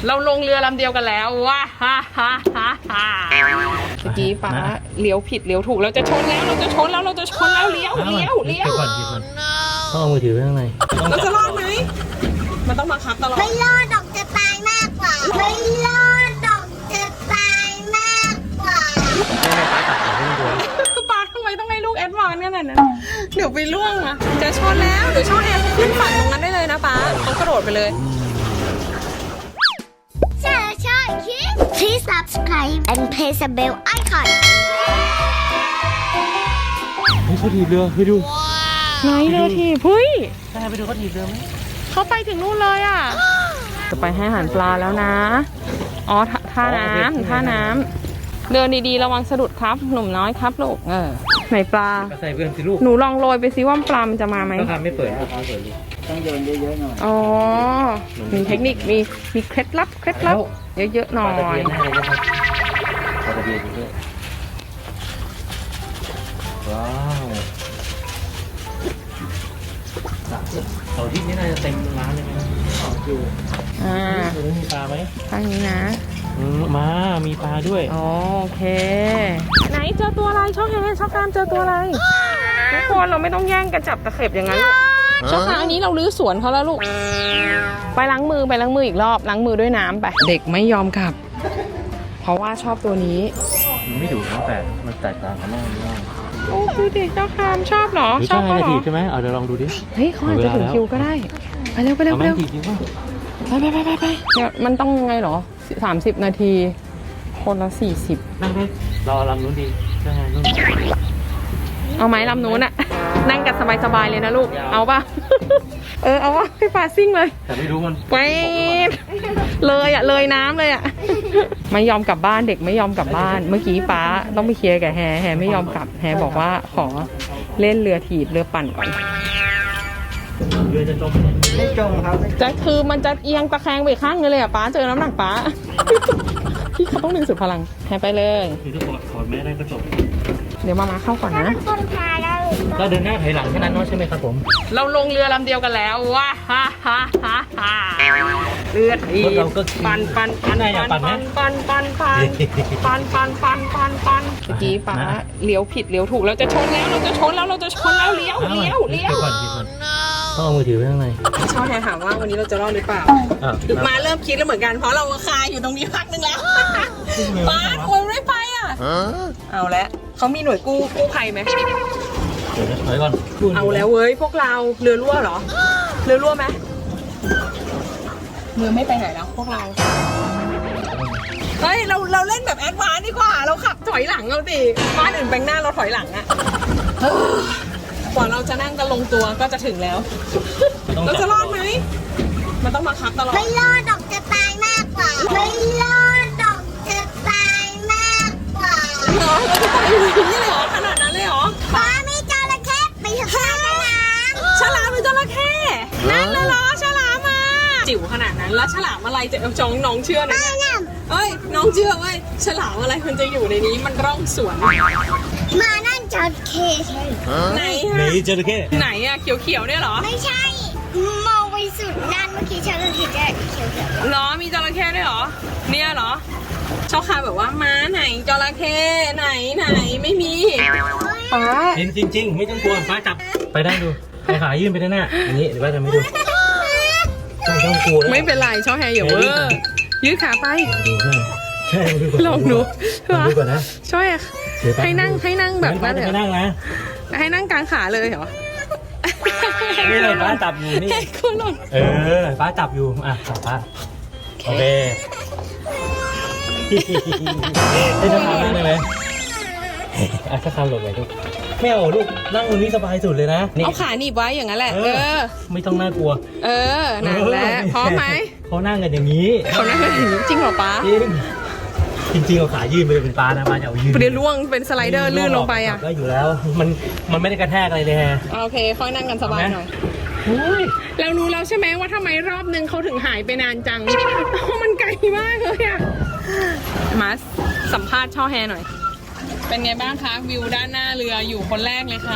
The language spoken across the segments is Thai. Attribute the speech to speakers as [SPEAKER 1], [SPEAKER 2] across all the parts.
[SPEAKER 1] เราลงเรือลำเดียวกันแล้วว้าฮ่าฮ่าฮ่าฮ่าเมื่อกี้ป้าเลี้ยวผิดเลี้ยวถูกเราจะชนแล้วเราจะชนแล้วเราจะชนแล้วเลี้ยว
[SPEAKER 2] ก่อนต้องเอามือถือไว้ข้างใน
[SPEAKER 1] เราจะรอดไหมมันต้องมาคับตลอด
[SPEAKER 3] ไม่รอดดอกจะตายมากกว่าไม่รอดดอกจะตายมากกว่า
[SPEAKER 1] ป้าทำไมต้องให้ลูกแอดวานซ์ขนาดนั้นเดี๋ยวไปล่วงอะจะชนแล้วเดี๋ยวช่องแอร์ขึ้นฝั่งตรงนั้นได้เลยนะป้าเขากระโดดไปเลย
[SPEAKER 3] Please subscribe and press the bell icon
[SPEAKER 2] เขาถีบเรือไปดู
[SPEAKER 1] ไหนเรือถีบเฮ้ย
[SPEAKER 2] ไปดูเขาถีบเรือไหม
[SPEAKER 1] เขาไปถึงนู่นเลยอ่ะจะไปให้อาหารปลาแล้วนะอ๋อท่าน้ำเดินดีๆระวังสะดุดครับหนุ่มน้อยครับลูกไหนปลา
[SPEAKER 2] ใส่เพื่อนสิลูก
[SPEAKER 1] หนูลองโรยไปซิว่าปลามันจะมาไหม
[SPEAKER 2] ต้องทำไม่เปิดต้องโยนเยอะๆหน่อย
[SPEAKER 1] อ๋อมีเทคนิคมีเคล็ดลับเยอะๆหน่อย
[SPEAKER 2] ปลาตะเพียนด้วยว้าวเสาร์อาทิตย์นี้น่าจะเต็มร้านเลยนะอยู่ตรงนี้มีปลาไหม
[SPEAKER 1] ทางนี้นะ
[SPEAKER 2] มามีปลาด้วย
[SPEAKER 1] โอเคไหนเจอตัวอะไรช่องแฮช่องกามเจอตัวอะไรทุกคนเราไม่ต้องแย่งกันจับตะเข็บอย่างนั้นช่องกามอันนี้เราลื้อสวนเขาแล้วลูกไปล้างมืออีกรอบล้างมือด้วยน้ำไปเด็กไม่ยอมกลับเพราะว่าชอบตัวนี้
[SPEAKER 2] มันไม่ดุนะแต่มันแตกต่างกันมาก
[SPEAKER 1] โอ้ดูดิเจ้าคามชอบเหรอ
[SPEAKER 2] ชอบเขาเหรอใช่ไหมเอาเดี๋ยวลองดูดิ
[SPEAKER 1] เฮ้ยเขาอาจจะถึงคิวก็ได้ไปเร็วไปเดี๋ยวมันต้องไงเหรอ30 นาทีคนละ40
[SPEAKER 2] นั่งได้รอลำนู้นดีนั่งนู้น
[SPEAKER 1] เอาไหมลำนู้นอะนั่งกันสบายๆเลยนะลูกเอาป่ะเอาวะพี่ฟ้าซิ่งเลย
[SPEAKER 2] แต่ไม่รู้มัน
[SPEAKER 1] ไปเลยน้ำเลยอะไม่ยอมกลับบ้านเด็กไม่ยอมกลับบ้านเมื่อกี้ป้าต้องไปเคลียร์กับแฮไม่ยอมกลับแฮบอกว่าขอเล่นเรือถีบเรือปั่นก่อน
[SPEAKER 2] เรือจะจมไม่จมครับ
[SPEAKER 1] จะคือมันจะเอียงตะแคงไปข้างนึงเลยอะป้าเจอน้ำหนักป้าพี่เขาต้องดึงสุดพลังแฮไปเลย
[SPEAKER 2] คือถ้าถอดแม่ได้ก็จบ
[SPEAKER 1] เดี๋ยวมาเข้าก่อนนะ
[SPEAKER 2] ก็เดินหน้าถอยหลังแค่นั้นเนาะใช่ไหมครับผม
[SPEAKER 1] เราลงเรือลำเดียวกันแล้วว้าฮ่าฮ่าฮ่าฮ่าเรือถีบปั่นเมื่อกี้ป้าเลี้ยวผิดเลี้ยวถูกเราจะชนแล้วเลี้ยว
[SPEAKER 2] ต้องเอามือถือไว้ข้างใน
[SPEAKER 1] ชอบแทนถามว่าวันนี้เราจะรอดหรือเปล่ามาเริ่มคิดแล้วเหมือนกันเพราะเราคาอยู่ตรงนี้พักนึงแล้วป้าทำไมไม่ไปอ่ะเอาละเขามีหน่วยกู้ภัยไหม
[SPEAKER 2] เดี๋ยวถอยก่อน
[SPEAKER 1] เอาแล้วเว้ยพวกเราเรือรั่วเหรอเรือรั่วไหมเรือไม่ไปไหนแล้วพวกเราเฮ้ยเราเล่นแบบแอดวานซ์ดีกว่าเราขับถอยหลังเราสิบ้านอื่นแบงหน้าเราถอยหลังอะกว่าเราจะนั่งกันลงตัวก็จะถึงแล้วเราจะรอดไหมมันต้องมาคับตลอด
[SPEAKER 3] ไม่รอดดอกจะตายมากกว่าไม่รอดดอกจะตายมากกว่า
[SPEAKER 1] เหรอเราจะตายอยู่ที่นี่เลยเหรอขนาดนั้นเลยเหรอ
[SPEAKER 3] ป้าไม่จระเข้ไปทำ
[SPEAKER 1] ฉลามเป็นจระเข้นั่นแล้วเหรอฉลามมาจิ๋วขนาดนั้นแล้วฉลามอะไรจะจ้องน้องเชื่อนะเอ้ยน้องเชื่อเว้ยฉลามอะไรมันจะอยู่ในนี้มันร่องสวน
[SPEAKER 3] มานั่นจระเข้ใช่
[SPEAKER 1] ไหนฮะ
[SPEAKER 2] จระเข้
[SPEAKER 1] ไหนอะเขียวเนี่ยเหรอ
[SPEAKER 3] ไม่ใช่มองไปสุดนั่นเมื่อกี้ฉันเห็นเขียว
[SPEAKER 1] เหรอมีจระเข้ด้วยเหรอเนี่ยเหรอชอบคาแบบว่าม้าไหนจระเข้ไหนไม่มีป้า
[SPEAKER 2] เห็นจริงๆไม่ต้องกลัวป้าจับไปได้ดูขายื่นไปด้านหน้าอย่างนี้เดี๋ยวป้าจะไม่ดูต้องกลัว
[SPEAKER 1] ไม่เป็นไรชอบแฮร์อย่าเวอร์ยืดขาไป
[SPEAKER 2] ใช่
[SPEAKER 1] ลองดู
[SPEAKER 2] ก่อนนะ
[SPEAKER 1] ช่วยให้นั่งแบบนั้นเลย
[SPEAKER 2] นั่งนะ
[SPEAKER 1] ให้นั่งกลางขาเลยเหรอ
[SPEAKER 2] นี่เลยป้าจับอยู่นี่ป้าจับอยู่จับป้าโอเคได้จะทำได้ไหมถ้าทำหลบไปลูกไม่เอาลูกนั่งตรงนี้สบายสุดเลยนะ
[SPEAKER 1] เอาขาหนีบไว้อย่างนั้นแหละ
[SPEAKER 2] ไม่ต้องน่ากลัว
[SPEAKER 1] นั่นแหละพร้อมไหม
[SPEAKER 2] เขานั่งกันอย่างนี้
[SPEAKER 1] เขานั่งกันอย่างนี้จริงเหรอป้า
[SPEAKER 2] จริงเอาขายื่นไปเป็นปลานะปลาจะเอายื่น
[SPEAKER 1] เดี๋ยวล่วงเป็นสไลเดอร์ลื่นลงไป
[SPEAKER 2] ก็อยู่แล้วมันไม่ได้กระแทกอะไรเลยฮะ
[SPEAKER 1] โอเคค่อยนั่งกันสบายหน่อยเรารู้แล้วใช่ไหมว่าทำไมรอบนึงเขาถึงหายไปนานจังเพราะมันไกลมากเลยอะมาสัมภาษณ์ช่อแฮหน่อยเป็นไงบ้างคะวิวด้านหน้าเรืออยู่คนแรกเลยค่ะ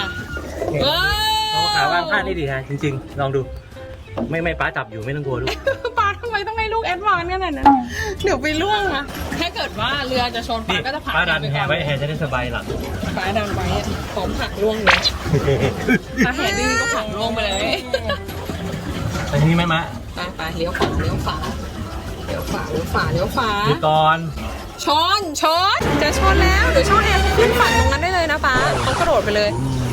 [SPEAKER 2] เอาขาวางพลาดนี่ดีฮะจริงๆลองดูไม่ป้าจับอยู่ไม่ต้องกลัวลูก
[SPEAKER 1] ป้าทำไมมต้องให้ลูกแอดวานซ์ขนาดนั้นเดี๋ยวไปล่วงนะถ้าเกิดว่าเรือจะชน
[SPEAKER 2] นี่
[SPEAKER 1] ป้าก็จะผลัก
[SPEAKER 2] ป้าดัน
[SPEAKER 1] ไป
[SPEAKER 2] แห
[SPEAKER 1] ก่อน
[SPEAKER 2] ไว้แหจะได้สบายหลัง
[SPEAKER 1] ป้าดันไว้พร้อมผลักล่วงเลยถ้าแหดื้อก็ผลักล่วงไปเลย
[SPEAKER 2] ไปทางนี้ไหมมะ
[SPEAKER 1] ไปเลี้ยวขวาเลี้ยวขวาเลี้ยวขวาเลี้ยวขวาเลี้ยวขวา
[SPEAKER 2] ดูก่อน
[SPEAKER 1] ชนจะชนแล้วเดี๋ยวช่องแอร์ขึ้นฝั่งตรงนั้นได้เลยนะป้าเขากระโดดไปเลย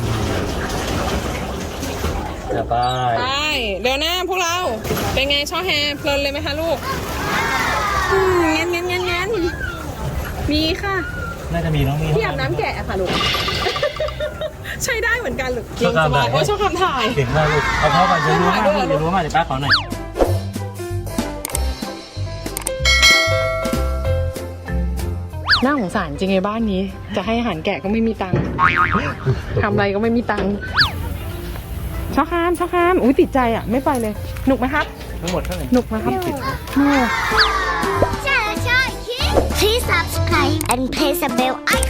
[SPEAKER 2] เดี๋ยวไป
[SPEAKER 1] ไปเดี๋ยวหน้าพวกเราเป็นไงช่อแฮเพลินเลยไหมคะลูกเงี้ยมีค่ะ
[SPEAKER 2] น่าจะมีน้องมี
[SPEAKER 1] ที่อาบน้ำแกะค่ะลูก ใช้ได้เหมือนกันลูก
[SPEAKER 2] ชอบ
[SPEAKER 1] ส
[SPEAKER 2] ทำ
[SPEAKER 1] บาย
[SPEAKER 2] แบบ
[SPEAKER 1] โอ้ยชอบทำถ่าย
[SPEAKER 2] เก่งมากลูกเอาเข้าไปเดี๋ยวรู้มากเดี๋ยวรู้มากเดี๋ยวป้าขอหน่อย
[SPEAKER 1] น่าสงสารจริงไอ้บ้านนี้ จะให้อาหารแกะก็ไม่มีตังค์ทำอะไรก็ไม่มีตังค์ชอบคามอุ้ยติดใจอ่ะไม่ไปเลยหนุกไหมครับ
[SPEAKER 2] ทั้งหมดเท่าไหร่
[SPEAKER 1] หนุกไหมครับหนุก
[SPEAKER 3] Please subscribe and press the bell icon.